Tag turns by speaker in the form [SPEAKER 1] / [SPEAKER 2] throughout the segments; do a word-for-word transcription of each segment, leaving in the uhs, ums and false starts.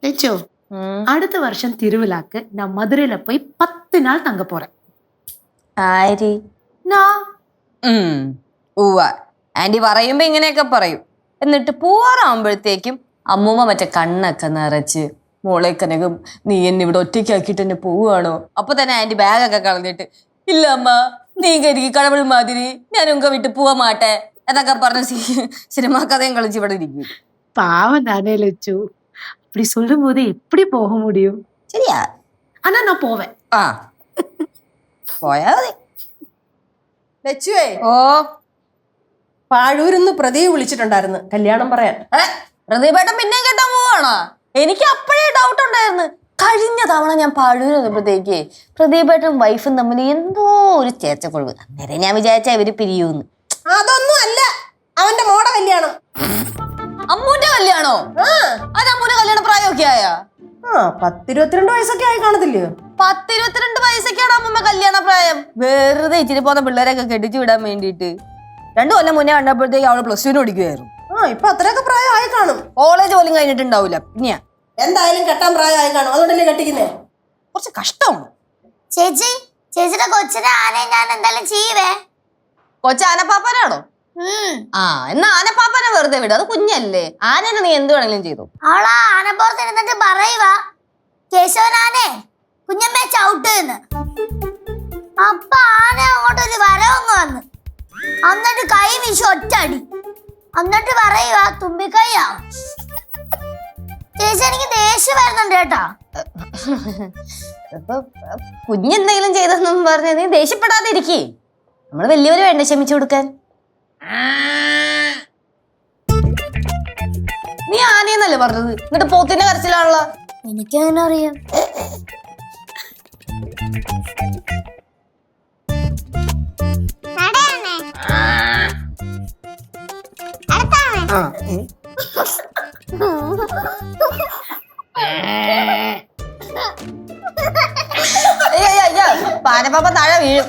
[SPEAKER 1] லட்சோ அடுத்த வருஷம் திருவிழாக்கு நான் மதுரையில போய் பத்து நாள் தங்க போறேன்.
[SPEAKER 2] ആരി ഉവ്വ ആന്റി പറയുമ്പോ ഇങ്ങനെയൊക്കെ പറയും. എന്നിട്ട് പോവാറാകുമ്പോഴത്തേക്കും അമ്മൂമ്മ മറ്റേ കണ്ണൊക്കെ നിറച്ച് മോളെ കനകം നീ എന്നെ ഇവിടെ ഒറ്റയ്ക്കാക്കിയിട്ട് എന്നെ പോവുകയാണോ? അപ്പൊ തന്നെ ആന്റി ബാഗൊക്കെ കളഞ്ഞിട്ട് ഇല്ല അമ്മ നീ കരിക്ക് കടവൾ മാതിരി ഞാൻ ഉങ്ക വിട്ട് പോവാ മാട്ടെ എന്നൊക്കെ പറഞ്ഞ സിനിമാ കഥയും കളിച്ച് ഇവിടെ ഇരിക്കും.
[SPEAKER 1] பாவம் தானே லட்சு, அப்படி சொல்லும் போது எப்படி போக முடியும்?
[SPEAKER 2] ശരിയാ,
[SPEAKER 1] ஆனா நான் போவேன்.
[SPEAKER 2] ആ പോയാ മതി.
[SPEAKER 3] ലച്ചുവേ,
[SPEAKER 2] ഓ
[SPEAKER 3] പാഴൂരിന്ന് പ്രതിയെ വിളിച്ചിട്ടുണ്ടായിരുന്നു കല്യാണം പറയാൻ.
[SPEAKER 2] പ്രതിഭേട്ടൻ പിന്നെയും കേട്ടാൻ പോവാണോ? എനിക്ക് അപ്പോഴേ ഡൗട്ട് ഉണ്ടായിരുന്നു. കഴിഞ്ഞ തവണ ഞാൻ പാഴൂർ വന്നപ്പോഴത്തേക്ക് പ്രദീപേട്ടനും വൈഫും തമ്മിൽ എന്തോ ഒരു ചേച്ചക്കൊഴിവ്. അന്നേരം ഞാൻ വിചാരിച്ച ഇവര് പിരിയൂന്ന്.
[SPEAKER 3] അതൊന്നും അല്ല, അവന്റെ മോടെ കല്യാണം.
[SPEAKER 2] അമ്മൂന്റെ കല്യാണോ? അത് അമ്മൂന്റെ കല്യാണ പ്രായമൊക്കെ ആയാ?
[SPEAKER 3] ആ പത്തിരുപത്തിരണ്ട് വയസ്സൊക്കെ ആയി കാണത്തില്ലയോ?
[SPEAKER 2] പത്തിരുപത്തിരണ്ട് വയസ്സൊക്കെയാണ് അമ്മൂമ്മ കല്യാണ പ്രായം. വെറുതെ ഇച്ചിരി പോകുന്ന പിള്ളേരെയൊക്കെ കെട്ടിച്ചു വിടാൻ വേണ്ടിയിട്ട്. രണ്ടു കൊല്ലം മുന്നേ കണ്ടപ്പോഴത്തേക്ക് അവള് പ്ലസ് ടുവിന് പഠിക്കുമായിരുന്നു.
[SPEAKER 3] ആ ഇപ്പൊ അത്രയൊക്കെ പ്രായം ആയി കാണും.
[SPEAKER 2] കോളേജ് പോലും കഴിഞ്ഞിട്ടുണ്ടാവൂല. പിന്നെയാ
[SPEAKER 3] എന്തായാലും കെട്ടാൻ പ്രായം ആയി കാണും, അതുകൊണ്ടല്ലേ കെട്ടിക്കുന്നേ.
[SPEAKER 2] കുറച്ച് കഷ്ടമാണ്.
[SPEAKER 4] ചേച്ചി, ചേച്ചിയുടെ കൊച്ചിനെ ആനയെ ഞാൻ എന്തായാലും ചെയ്യുവേ.
[SPEAKER 2] കൊച്ചു ആനപ്പാപ്പനാണോ? ആ എന്നാ ആനപ്പാപ്പനെ വെറുതെ വിടും, അത് കുഞ്ഞല്ലേ. ആനനെ നീ എന്ത് വേണമെങ്കിലും ചെയ്തു.
[SPEAKER 4] അവളാ ആനപ്പുറത്ത് ഇരുന്നിട്ട് പറയുക കേശവനാനെ കുഞ്ഞമ്മ ചവിട്ടുന്ന്. അപ്പൊ ആന അങ്ങോട്ടൊരു വരവങ്ങ് വന്ന് എന്നിട്ട് കൈ വീശി ഒറ്റടി. എന്നിട്ട് പറയുക തുമ്പിക്കൈയാ. ചേച്ചി എനിക്ക് ദേഷ്യം വരുന്നുണ്ട് കേട്ടാ.
[SPEAKER 2] ഇപ്പൊ കുഞ്ഞെന്തെങ്കിലും ചെയ്തെന്നും പറഞ്ഞ നീ ദേഷ്യപ്പെടാതെ ഇരിക്കേ. നമ്മള് വലിയവര് വേണ്ട ക്ഷമിച്ചു കൊടുക്കാൻ. നീ ആനയെന്നല്ലേ പറഞ്ഞത്, എന്നിട്ട് പോത്തിന്റെ കരച്ചിലാണല്ലോ.
[SPEAKER 4] എനിക്കെങ്ങനെ അറിയാം?
[SPEAKER 2] പാനപ്പാപ്പ താഴെ വീഴും.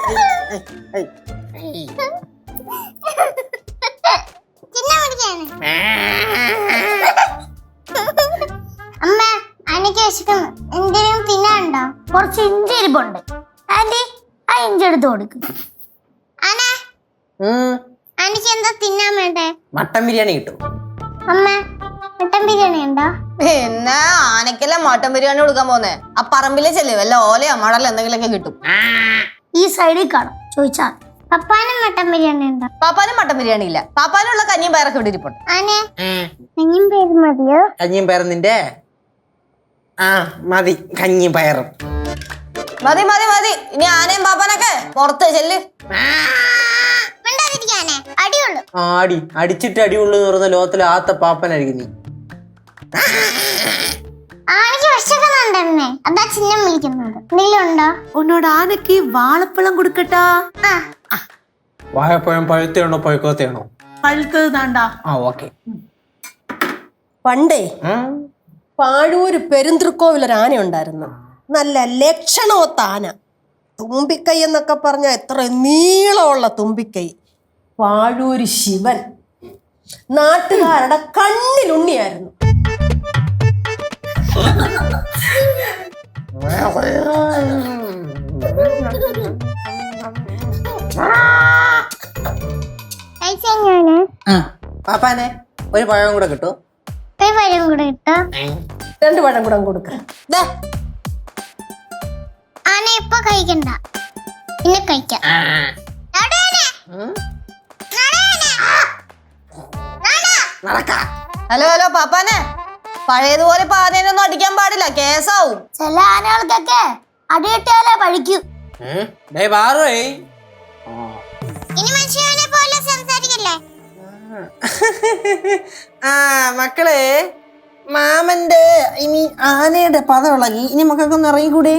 [SPEAKER 4] അമ്മ എനിക്ക് വിശക്കുന്നു, എന്തെങ്കിലും തിന്നാനുണ്ടോ? കുറച്ച് ഇഞ്ചി ഇരിപ്പുണ്ട്. ആന്റി ആ ഇഞ്ചി എടുത്ത് കൊടുക്കും. എനിക്ക് എന്താ തിന്നാൻ വേണ്ടേ?
[SPEAKER 3] മട്ടൻ ബിരിയാണി കിട്ടും.
[SPEAKER 4] അമ്മ മട്ടൻ ബിരിയാണി ഉണ്ടോ?
[SPEAKER 2] പിന്നെ ആനക്കല്ലേ മട്ടൻ ബിരിയാണി കൊടുക്കാൻ പോന്നേ. ആ പറമ്പിലെ ചെല്ലേ വല്ല ഓലയോ മടലോ എന്തെങ്കിലുമൊക്കെ കിട്ടും.
[SPEAKER 4] ഈ സൈഡിൽ കാണും, ചോദിച്ചാൽ. പപ്പാനും മട്ടൻ ബിരിയാണി ഉണ്ടോ?
[SPEAKER 2] പാപ്പാനും മട്ടൻ ബിരിയാണി ഇല്ല. പാപ്പാനുള്ള കഞ്ഞിയും പയറൊക്കെ ഇവിടെ ഇരിപ്പുണ്ട്.
[SPEAKER 4] ആനെ കഞ്ഞിയും പയറും മതിയോ?
[SPEAKER 5] കഞ്ഞിയും പയറും നിന്റെ ആ മതി, കഞ്ഞിയും പയറും
[SPEAKER 2] മതി മതി മതി. ഇനി ആനയും പാപ്പാനൊക്കെ പുറത്ത് ചെല്ല്.
[SPEAKER 4] അടിയുള്ളൂ.
[SPEAKER 5] ആടി അടിച്ചിട്ട് അടിയുള്ളൂ എന്ന് പറഞ്ഞ ലോകത്തിലെ ആത്ത പാപ്പനായിരിക്കും നീ.
[SPEAKER 4] ആനയ്ക്ക് വിശക്കുന്നുണ്ടെന്നേ, അതാ ചിഹ്നം വിളിക്കുന്നത്. എന്തെങ്കിലും ഉണ്ടോ?
[SPEAKER 1] உன்னோட ஆனைக்கு வாழைப்பழம் கொடுக்கட்டா?
[SPEAKER 5] വാഴപ്പഴം പഴുത്തയാണോ പഴുക്കാത്തയാണോ?
[SPEAKER 1] പഴുത്തത് താണ്ടാ.
[SPEAKER 5] ആ ഓക്കെ.
[SPEAKER 3] പണ്ടേ പാഴൂര് പെരുന്തൃക്കോവിലൊരു ആന ഉണ്ടായിരുന്നു. നല്ല ലക്ഷണമൊത്ത ആന. തുമ്പിക്കൈ എന്നൊക്കെ പറഞ്ഞ എത്ര നീളമുള്ള തുമ്പിക്കൈ. പാഴൂര് ശിവൻ നാട്ടുകാരുടെ കണ്ണിലുണ്ണിയായിരുന്നു.
[SPEAKER 5] പാപ്പാനെ ഒരു പഴം കൂടെ കിട്ടൂ.
[SPEAKER 4] ഒരു പഴം കൂടെ കിട്ടോ?
[SPEAKER 3] രണ്ട് പഴം കൂടെ കൊടുക്ക.
[SPEAKER 4] ആന ഇപ്പൊ കഴിക്കണ്ട, പിന്നെ കഴിക്കാം.
[SPEAKER 2] ഹലോ ഹലോ പാപ്പാനെ, പഴയതുപോലെ പാനേനൊന്നും അടിക്കാൻ പാടില്ല, കേസാവും.
[SPEAKER 4] ചില ആനകൾക്കൊക്കെ അടിയിട്ടാലേ പഴിക്കൂ. ഇനി മനുഷ്യനെ പോലെ സംസാരിക്കല്ലേ.
[SPEAKER 5] ആ മക്കളെ, മാമന്റെ ഇനി ആനയുടെ പദം ഇളകി. ഇനി മക്കൾക്കൊന്ന് ഇറങ്ങിക്കൂടെ?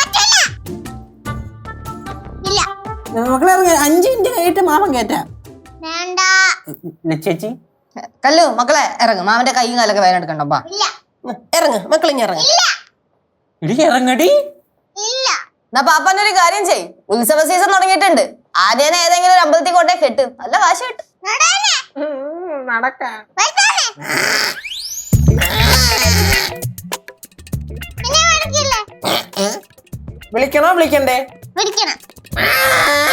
[SPEAKER 5] മക്കളെ ഇറങ്ങി. അഞ്ചു മിനിറ്റ് കഴിഞ്ഞിട്ട് മാമൻ കേറ്റാം. ചേച്ചി
[SPEAKER 2] കല്ലു മക്കളെ ഇറങ്ങും. മാമന്റെ കൈയും കാലൊക്കെ വേദന എടുക്കണ്ടപ്പാ.
[SPEAKER 3] ഇറങ്ങ് മക്കളിങ്ങ ഇറങ്ങി.
[SPEAKER 5] ഇടി ഇറങ്ങടി.
[SPEAKER 2] എന്നാ പാപ്പാനൊരു കാര്യം ചെയ്, ഉത്സവ സീസൺ തുടങ്ങിയിട്ടുണ്ട്. ആദ്യം ഏതെങ്കിലും ഒരു അമ്പലത്തിൽ കൊണ്ടേ കെട്ടും, നല്ല കാശ് കിട്ടും.
[SPEAKER 5] നടക്കാം.
[SPEAKER 4] പിന്നെ വിളിക്കില്ലേ?
[SPEAKER 5] വിളിക്കണോ വിളിക്കണ്ടേ?
[SPEAKER 4] വിളിക്കണം.
[SPEAKER 5] ആ